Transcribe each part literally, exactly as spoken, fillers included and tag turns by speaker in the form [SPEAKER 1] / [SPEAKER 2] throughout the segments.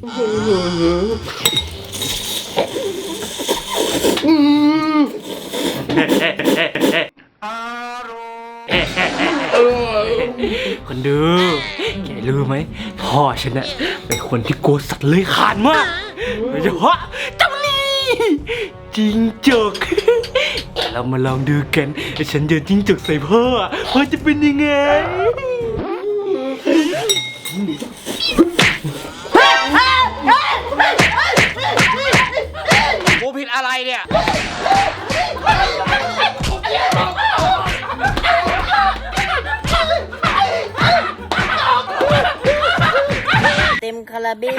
[SPEAKER 1] คนดูแกรู้ไหมพ่อฉันน่ะเป็นคนที่กลัวสัตว์เลื้อยคลานมากโดยเฉพาะเจ้านี่จิ้งจกเรามาลองดูกันฉันเดินจิ้งจกใส่พ่อพ่อจะเป็นยังไงกูผิดอะไรเนี่ย
[SPEAKER 2] เต็มคาราเบล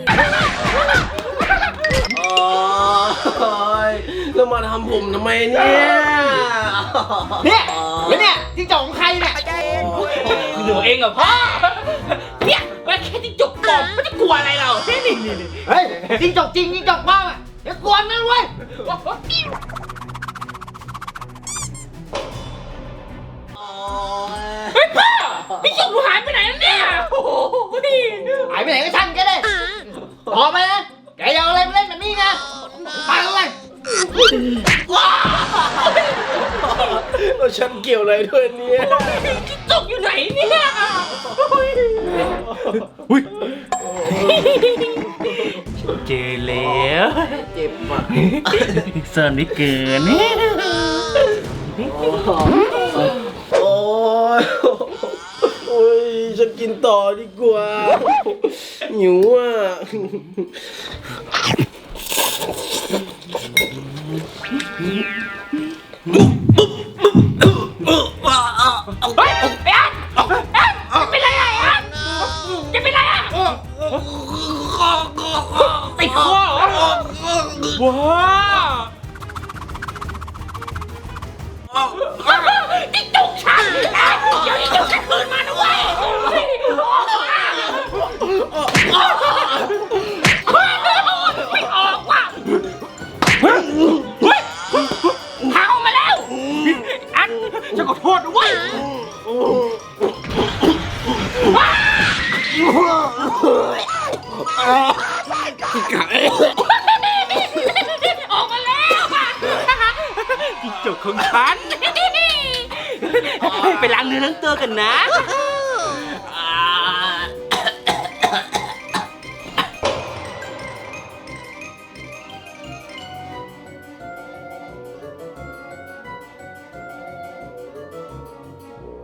[SPEAKER 3] โอ้ยแล้วมาทำผมทำไมเนี่ย
[SPEAKER 4] เนี่ยแล้วเนี่ยจิ้งจกของใครเนี่ย
[SPEAKER 1] หนูเองเหรอพ่อเนี่ยแค่จิ้งจกปลอมไม่จะกลัวอะไรเรานี่นี่นี่
[SPEAKER 4] เฮ้ยจิ้งจกจริงจิ้งจกปลอมอ่ะอย่ากวนนะเว้ย
[SPEAKER 1] เฮ้ยพ่อจิ้งจกหนูหายไปไหนแล้วเนี่ยโอ้โห
[SPEAKER 4] หายไปไหนก็ช่างแกเลยพอไปนะแกอย่าเอาอะไรมาเล่นแบบนี้นะไปเลย
[SPEAKER 3] แล้วฉันเกี่ยวอะไรด้วยเนี่ย
[SPEAKER 1] จิ้งจกอยู่ไหนเนี่ยอุ้ยเจอแล้ว
[SPEAKER 3] เจ็บมาก
[SPEAKER 1] เซิร์นไม่เกิน
[SPEAKER 3] โอ้ยโอ้ยฉันกินต่อดีกว่าหิวอ่ะ
[SPEAKER 1] เฮ้ยไอ้อันอันเป็นไรอ่ะอันจะเป็นไรอ่ะติดคอเหรอว้าจิ้งจกฉันเดี๋ยวจิ้งจกฉันคืนมาด้วยไม่ออกว่ะเฮ้ยทางออกมาแล้วอันจะขอโทษด้วยออกมาแล้วจิ้งจกของฉันไปล้างเนื้อล้างตัวกันนะ